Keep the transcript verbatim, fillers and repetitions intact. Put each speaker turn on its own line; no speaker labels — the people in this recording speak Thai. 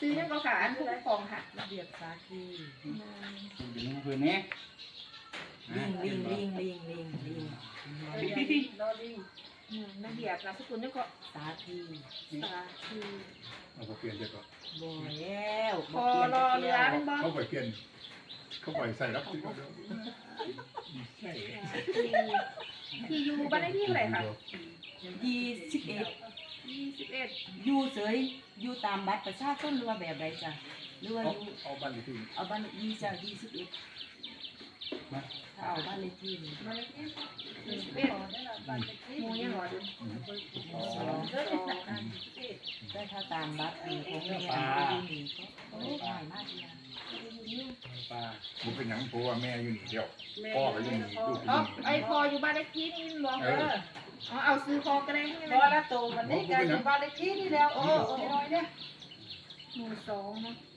ซื้อยังก็ขาอันผู้ปกครองค่ะ
ระเบียบสาคี
อยู่ในพื้นนี้
ลิงลิงลิงลิงลิงลิง
รอดีระเบียบนามสกุลยังก็
สาคี
สาคี
เอาไปเปลี่ยนเดี๋ยวก็
บ่แล้ว
พอรอเรือเป็นบ่
เขาไปเปลี่ยนเขาไปใส่รับสิใช่
ที่อยู่บ้านเลขที่เท่าไหร่คะ
ยี่สิบเอ็ด
ยี่สิบเอ็ด
อยู่เฉยอยู่ตามบัตรประชาชนหรือว่าแบบใดจ้ะหรือว่า
เอา
อยู่
เอาบ้านเลขที่
เอาบ้านเลขที่จ้ะยี่สิบเอ็ดถ้าเอาบ้านเลขที่นี่
บ้านเลขที่ยี่สิบเอ็ดหมูยังหรอดู
สองแต่ถ้าตามบัตรของแม่อยู่นี่ก็ง่ายมากเลย
ปลา
บุเป็นหยังเพราะว่าแม่อยู่นี่เดียวพ่อก็อยู่นี่ลูก
อ๋อ
อยู่
ไอพออยู่บ้านเลขที่นี่หลวงเอออ๋อเอาซื้อพอก็ได้ใช่ไหม
พอละโตมันนี่กันอยู่บ้านเลขที่นี่แล้วโอ้โอ้น้อยเนี่ย
หมู่สองเนาะ